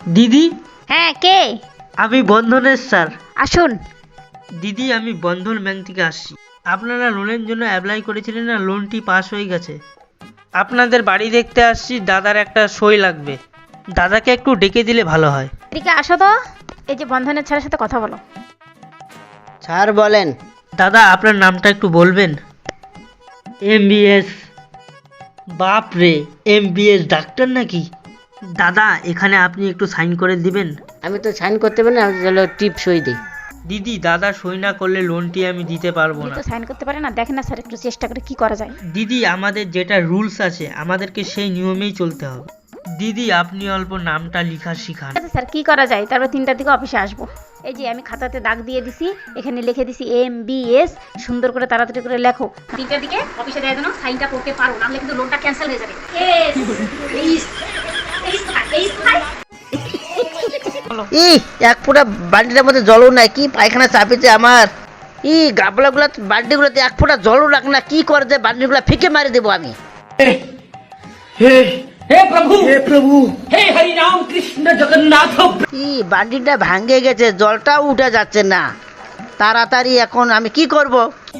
দিদি। হ্যাঁ, কে? আমি বন্ধনের স্যার। আসুন। দিদি, আমি বন্ধন ব্যাংক থেকে আসছি। আপনারা লোনের জন্য অ্যাপ্লাই করেছিলেন না, লোনটি পাস হয়ে গেছে। আপনাদের বাড়ি দেখতে আসছি, দাদার একটা সই লাগবে। দাদাকে একটু ডেকে দিলে ভালো হয়। এদিকে আসো তো। এই যে বন্ধনের ছেলের সাথে কথা বলো। স্যার বলেন। দাদা, আপনার নামটা একটু বলবেন? MBS। বাপ রে, MBS ডাক্তার নাকি? দাদা, এখানে আপনি একটু সাইন করে দিবেন। আমি তো সাইন করতে পারি না, আমি চলো টিপ সই দিই। দিদি, দাদা সই না করলে লোনটি আমি দিতে পারবো উনি না। তো সাইন করতে পারে না, দেখেন না স্যার, একটু চেষ্টা করে কি করা যায়। দিদি, আমাদের যেটা রুলস আছে আমাদেরকে সেই নিয়মেই চলতে হবে। দিদি, আপনি অল্প নামটা লেখা শিখান। আচ্ছা স্যার, কি করা যায়? তারপর 3টার দিকে অফিসে আসবো। এই যে আমি খাতাতে দাগ দিয়ে দিছি, এখানে লিখে দিছি MBS। সুন্দর করে তাড়াতাড়ি করে লেখো। 3টার দিকে অফিসে দেওয়ার জন্য সাইনটা করতে পারো, নাহলে কিন্তু লোনটা ক্যান্সেল হয়ে যাবে। এক ফোঁটা বালতিটার মধ্যে জলও নাই, কি পায়খানা চাপেছে আমার। গাবলাগুলা বালতিগুলোতে এক ফোঁটা জলও রাখ না, কি করে যে বালতিগুলা ফিকে মারি দেবো আমি। हे प्रभु हे हरि राम कृष्ण जगन्नाथ। বালতিটা ভাঙে গেছে, জলটাও উঠে যাচ্ছে না। তাড়াতাড়ি এখন আমি কি করব?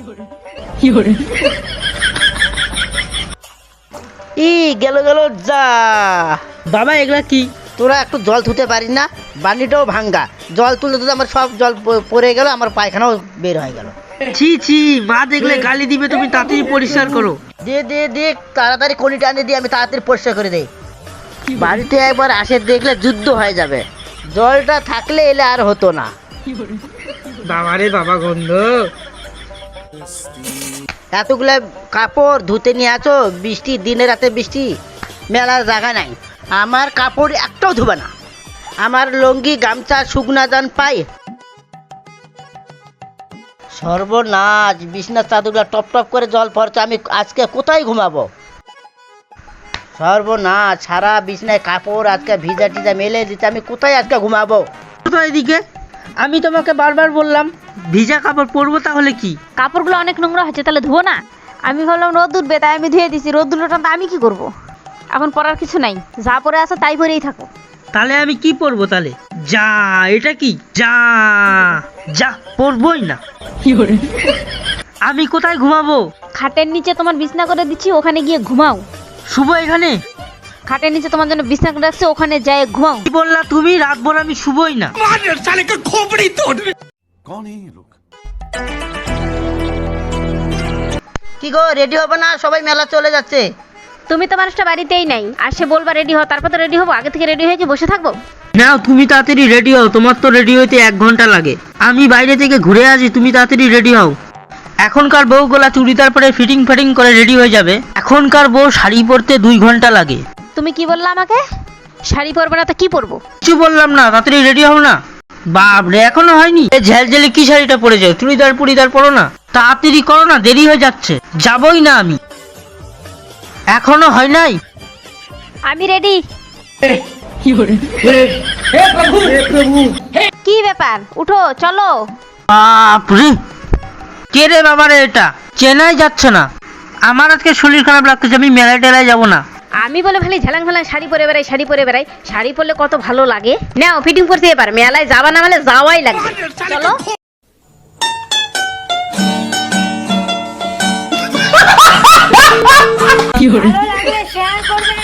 গেল গেল যা। বাবা, এগুলা কি? তোরা একটু জল ধুতে পারিস না? বালতিটাও ভাঙ্গা, জল তুলতে তুলতে আমার সব জল পড়ে গেল, আমার পায়খানাও বের হয়ে গেল। ছি ছি, মা দেখলে গালি দিবে, তুমি তাড়াতাড়ি পরিষ্কার করো। দে তাড়াতাড়ি কনি টানে দিয়ে আমি তাড়াতাড়ি পরিষ্কার করে দেই। বাড়িতে একবার আসে দেখলে যুদ্ধ হয়ে যাবে। জলটা থাকলে এলে আর হতো না। বাবারে বাবা, গন্ধ। এতগুলা কাপড় ধুতে নিয়ে আছো, বৃষ্টি, দিনে রাতে বৃষ্টি, মেলার জায়গা নাই। আমার কাপড় একটাও ধুবে না। আমার লুঙ্গি গামছা শুকনা যান পাই। সর্বনাশ, বিছনার চাদরগুলা টপ টপ করে জল পড়ছে, আমি আজকে কোথায় ঘুমাবো? সর্বনাশ, সারা বিছনায় কাপড় আজকে ভিজা টিজা মেলে দিতে, আমি কোথায় আজকে ঘুমাবো? তো এদিকে আমি তোমাকে বারবার বললাম ভিজা কাপড় পরবো, তাহলে কি? কাপড়গুলো অনেক নোংরা হচ্ছে, তাহলে ধুবো না? আমি ভাবলাম রোদ উঠবে, তাই আমি ধুয়ে দিছি। রোদ উঠলো না, আমি কি করব? এখন পরার কিছু নাই, যা পরে আছে তাই পরেই থাকো। তাহলে আমি কি পরবো তাহলে? যা, এটা কি? যা যা, পরবই না। আমি কোথায় ঘুমাবো? খাটের নিচে তোমার বিছনা করে দিচ্ছি, ওখানে গিয়ে ঘুমাও। শুভ এখানে? খাটের নিচে তোমার জন্য বিছনা করে রাখছি, ওখানে যায় ঘুমাও। কি বললা তুমি? রাতভর আমি শুভই না। কি গো, রেডি হবে না? সবাই মেলা চলে যাচ্ছে। তুমি তো মানুষটা বাড়িতেই নাই, আসে বলবা রেডি হও, তারপর তো রেডি হবো। আগে থেকে রেডি হয়ে কি বসে থাকবো? নাও, তুমি তাড়াতাড়ি রেডি হও, তোমার তো রেডি হইতে 1 ঘন্টা লাগে। আমি বাইরে থেকে ঘুরে আসি, তুমি তাড়াতাড়ি রেডি হও। এখনকার বউগুলা চুড়িদার পরে ফিটিং করে রেডি হয়ে যাবে, এখনকার বউ শাড়ি পরতে 2 ঘন্টা লাগে। তুমি কি বললা আমাকে? শাড়ি পরবে না তো কি পরবো? কিছু বললাম না, তাড়াতাড়ি রেডি হও না। বাপরে, এখনো হয়নি? ঝেলঝেলে কি শাড়িটা পরে যাও? চুড়িদার পরো না, তাড়াতাড়ি করো না, দেরি হয়ে যাচ্ছে। যাবই না আমি। এখনো হয় নাই? আমি রেডি। हे प्रभु কি ব্যাপার? উঠো, চলো। বাপরে, কে রে বাবারে, এটা চেনাই যাচ্ছে না। আমার আজকে শরীর খারাপ লাগতেছে, আমি মেলায় টেলায় যাবো না। আমি বলে খালি ঝালাং ফালাং শাড়ি পরে বেড়াই, শাড়ি পরে বেড়াই। শাড়ি পরলে কত ভালো লাগে। নাও, ফিটিং করতে এবার। মেলায় যাবা না মানে যাওয়াই লাগবে। চলো। ভালো লাগলে শেয়ার করবেন।